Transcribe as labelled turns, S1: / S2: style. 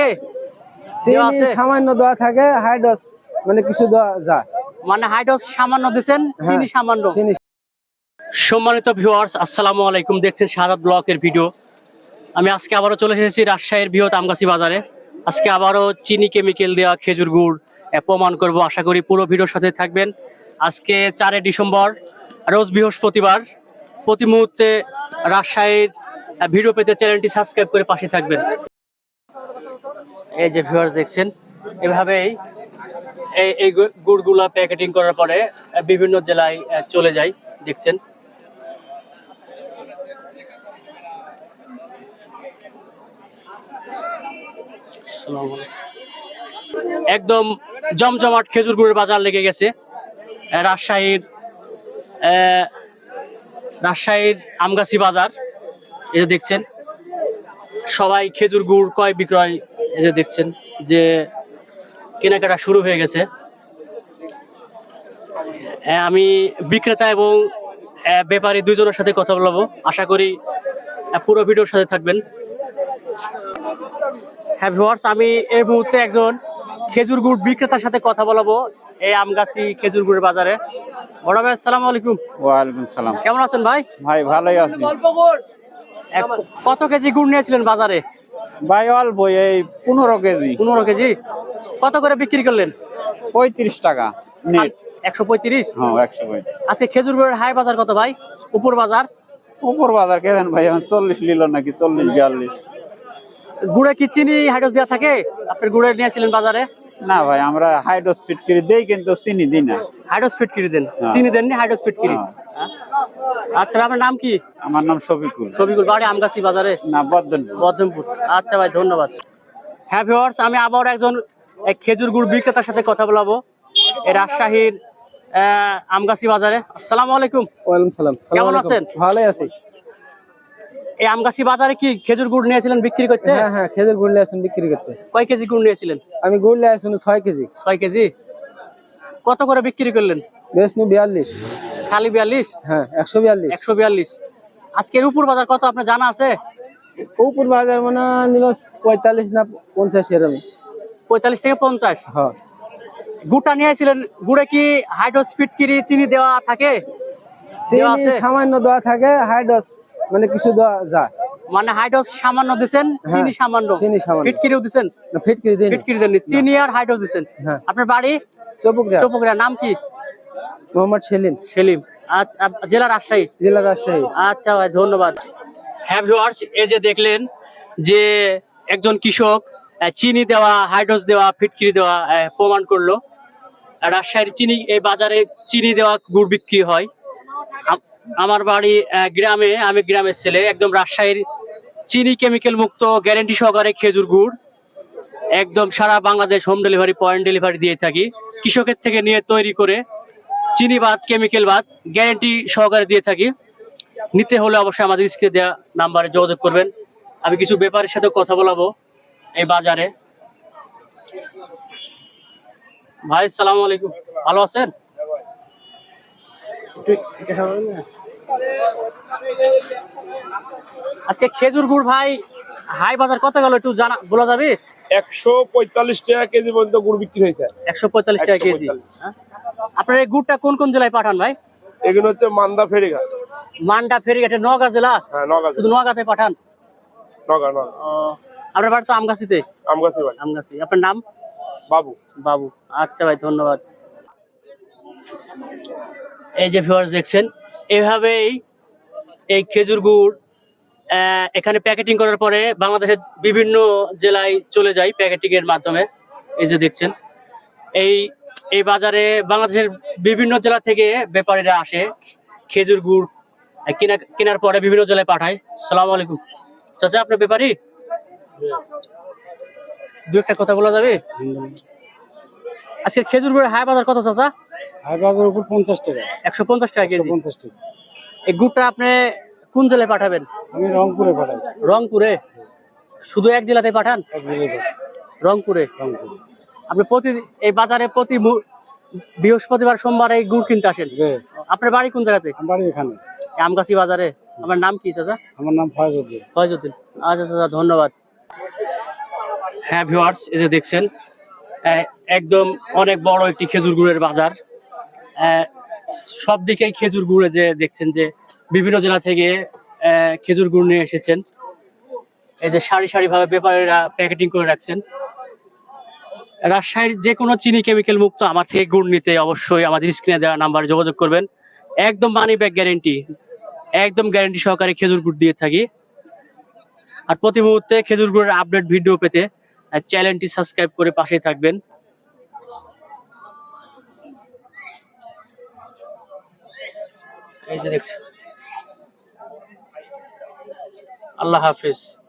S1: চিনি সামান্য দেওয়া থাকে, হাইড্রোস মানে কিছু দেওয়া যায়,
S2: মানে হাইড্রোস সামান্য দিবেন, চিনি সামান্য। সম্মানিত ভিউয়ার্স, আসসালামু আলাইকুম। দেখছেন শাহাদাত ব্লকের ভিডিও। আমি আজকে আবারও চলে এসেছি রাজশাহীর বৃহৎ আমগাছি বাজারে। আজকে আবারও চিনি কেমিক্যাল দেওয়া খেজুর গুড় প্রমাণ করব। আশা করি পুরো ভিডিওর সাথে থাকবেন। আজকে 4 ডিসেম্বর, রোজ বৃহস্পতিবার। প্রতি মুহূর্তে রাজশাহীর ভিডিও পেতে চ্যানেলটি সাবস্ক্রাইব করে পাশে থাকবেন। এই যে ভিউয়ার্স দেখছেন, এভাবেই এই গুড়গুলা প্যাকেটিং করার পরে বিভিন্ন জেলায় চলে যায়। দেখছেন একদম জমজমাট খেজুর গুড়ের বাজার লেগে গেছে রাজশাহীর আমগাছি বাজার। এই যে দেখছেন সবাই খেজুর গুড় ক্রয় বিক্রয়, এই যে দেখছেন যে কেনাকাটা শুরু হয়ে গেছে। আমি বিক্রেতা এবং ব্যাপারী দুইজনের সাথে কথা বলবো। আশা করি পুরো ভিডিওর সাথে থাকবেন। হ্যাঁ ভিউয়ার্স, আমি এই মুহূর্তে একজন খেজুর গুড় বিক্রেতার সাথে কথা বলবো এই আমগাছি খেজুর গুড়ের বাজারে। বড় ভাই আসসালামু আলাইকুম।
S3: ওয়ালাইকুম সালাম।
S2: কেমন আছেন ভাই?
S3: ভাই ভালোই আছি।
S2: কত কেজি গুড় নিয়েছিলেন বাজারে?
S3: ভাই অল্প, এই 15 কেজি।
S2: 15 কেজি। কত করে বিক্রি করলেন?
S3: 35 টাকা নেট।
S2: 135?
S3: হ্যাঁ 135।
S2: আজকে খেজুর গুড়ের হাই বাজার কত ভাই? উপর বাজার?
S3: উপর বাজার কেন ভাই, এখন 40 নিল নাকি 40-42।
S2: গুড়ে কি চিনি হাইড্রোস দেওয়া থাকে? আপনার গুড়ে নিয়েছিলেন বাজারে?
S3: না ভাই, আমরা হাইড্রোস ফিটকিরি দেই কিন্তু চিনি দিই না।
S2: হাইড্রোস ফিটকিরি দেন, চিনি দেননি, হাইড্রোস ফিটকিরি। আচ্ছা, আপনার নাম কি?
S3: আমার নাম শফিকুল।
S2: শফিকুল, বাড়ি আমগাছি বাজারে?
S3: না,
S2: বদনপুর। আচ্ছা ভাই, ধন্যবাদ। হ্যাঁ ভিউয়ার্স, আমি আবার একজন খেজুর গুড় বিক্রেতার সাথে কথা বলবো এই রাজশাহীর আমগাছি বাজারে। আসসালামু আলাইকুম।
S1: ওয়ালাইকুম সালাম।
S2: কেমন আছেন?
S1: ভালোই আছি।
S2: এই আমগাছি বাজারে কি খেজুর গুড় নিয়েছিলেন বিক্রি করতে?
S1: হ্যাঁ হ্যাঁ, খেজুর গুড় নিয়ে আসেন বিক্রি করতে।
S2: কয় কেজি গুড় নিয়েছিলেন?
S1: আমি গুড় নিয়ে আসুন 6 কেজি।
S2: 6 কেজি। কত করে বিক্রি করলেন?
S1: বেশ 42।
S2: খালি 42?
S1: হ্যাঁ 142।
S2: 142। আজকের উপর বাজার কত আপনার জানা আছে?
S1: উপর বাজার মানে নিল 45 না 50 এরকম।
S2: 45 থেকে 50?
S1: হ্যাঁ।
S2: গুড়টা নিয়েছিলেন, গুড়ে কি হাইড্রোস ফিটকিরি চিনি দেওয়া থাকে?
S1: চিনি সামান্য দেওয়া থাকে, হাইড্রোস মানে কিছু দেওয়া যায়,
S2: মানে হাইড্রোস সামান্য দিবেন, চিনি সামান্য।
S1: চিনি সামান্য।
S2: ফিটকিরিও দিবেন?
S1: না, ফিটকিরি দেন।
S2: ফিটকিরি দেন, চিনি আর হাইড্রোস দিবেন।
S1: হ্যাঁ।
S2: আপনার বাড়ি?
S1: চৌপকড়া।
S2: চৌপকড়া। নাম কি?
S1: মোহাম্মদ সেলিম।
S2: সেলিম। আচ্ছা, জেলা রাজশাহী?
S1: জেলা রাজশাহী।
S2: আচ্ছা ভাই, ধন্যবাদ। হ্যাঁ ভিউয়ার্স, এই যে দেখলেন যে একজন কৃষক চিনি দেওয়া, হাইড্রোস দেওয়া, ফিটকিরি দেওয়া প্রমাণ করলো। রাজশাহীর চিনি এই বাজারে চিনি দেওয়া গুড় বিক্রি হয়। আমার বাড়ি গ্রামে, আমি গ্রামের ছেলে। একদম রাজশাহীর চিনি কেমিক্যাল মুক্ত গ্যারান্টি সহকারে খেজুর গুড় একদম সারা Bangladesh home delivery, point delivery দিয়ে থাকি। কৃষকের থেকে নিয়ে তৈরি করে চিনি বাদ, কেমিক্যাল বাদ গ্যারান্টি সহকারে দিয়ে থাকি। নিতে হলে অবশ্যই আমাদের স্ক্রিনে দেওয়া নাম্বারে যোগাযোগ করবেন। আমি কিছু ব্যাপারের সাথে কথা বলাবো এই বাজারে। ভাই আসসালামু আলাইকুম, ভালো আছেন? আজকে খেজুর গুড় ভাই হাই বাজার কত গেল একটু জানা বলা যাবে?
S4: 145 টাকা কেজি পর্যন্ত গুড় বিক্রি হয়েছে।
S2: 145 টাকা কেজি। আপনার এই গুড়টা কোন কোন জেলায় পাঠান ভাই?
S4: এগুলো হচ্ছে মান্দা ফেরিঘাট।
S2: মান্ডা ফেরিঘাটে, নওগাঁ জেলা?
S4: হ্যাঁ নওগাঁ।
S2: শুধু নওগাঁতে পাঠান?
S4: নওগাঁ।
S2: আপনার বাড়ি তো আমগাছিতে?
S4: আমগাছি ভাই।
S2: আমগাছি। আপনার নাম?
S4: বাবু।
S2: বাবু। আচ্ছা ভাই, ধন্যবাদ। এই যে ভিউয়ার্স দেখছেন, এভাবেই এই খেজুর গুড় এখানে প্যাকেটিং করার পরে বাংলাদেশের বিভিন্ন জেলায় চলে যায় প্যাকেটিং এর মাধ্যমে। এই যে দেখছেন এই বাজারে বাংলাদেশের বিভিন্ন জেলা থেকে ব্যাপারীরা আসে খেজুর গুড় কেনার পরে বিভিন্ন জেলায় পাঠায়। আসসালামু আলাইকুম। চাচা, আপনার ব্যাপারী? দু একটা কথা বলা যাবে? আজকে খেজুর গুড়ের হাই বাজার কত চাচা?
S1: হাই বাজার উপর 50 টাকা।
S2: 150 টাকা কেজি।
S1: 150 টাকা।
S2: এই গুড়টা আপনি কোন জেলায় পাঠাবেন?
S1: আমি রংপুরে পাঠাই।
S2: রংপুরে? শুধু এক জেলাতে পাঠান?
S1: এক জেলায়
S2: রংপুরে। আপনি এই বাজারে প্রতি বৃহস্পতিবার, সোমবার এই গুড় কিনতে আসেন? আপনার বাড়ি কোন জায়গাতে?
S1: আমার বাড়ি এখানে,
S2: আমগাছি বাজারে। আমার নাম কি চাচা?
S1: আমার নাম ফয়জউদ্দিন।
S2: ফয়জউদ্দিন। আচ্ছা চাচা, ধন্যবাদ। হ্যাঁ ভিউয়ার্স, এই যে দেখছেন একদম অনেক বড় একটি খেজুর গুড়ের বাজার। সব দিকেই খেজুর গুড়ে যে দেখছেন যে বিভিন্ন জেলা থেকে খেজুর গুড় নিয়ে এসেছেন। এই যে সারি সারি ভাবে ব্যাপারীরা প্যাকেটিং করে রাখছেন। রাজশাহীর যে কোনো চিনি কেমিক্যাল মুক্ত আমার থেকে গুড় নিতে অবশ্যই আমাদের স্ক্রিনে দেওয়া নাম্বারে যোগাযোগ করবেন। একদম মানি ব্যাগ গ্যারেন্টি, একদম গ্যারেন্টি সহকারে খেজুর গুড় দিয়ে থাকি। আর প্রতি মুহূর্তে খেজুর গুড়ের আপডেট ভিডিও পেতে চ্যানেলটি সাবস্ক্রাইব করে পাশেই থাকবেন। এই যে দেখছেন। আল্লাহ হাফিজ।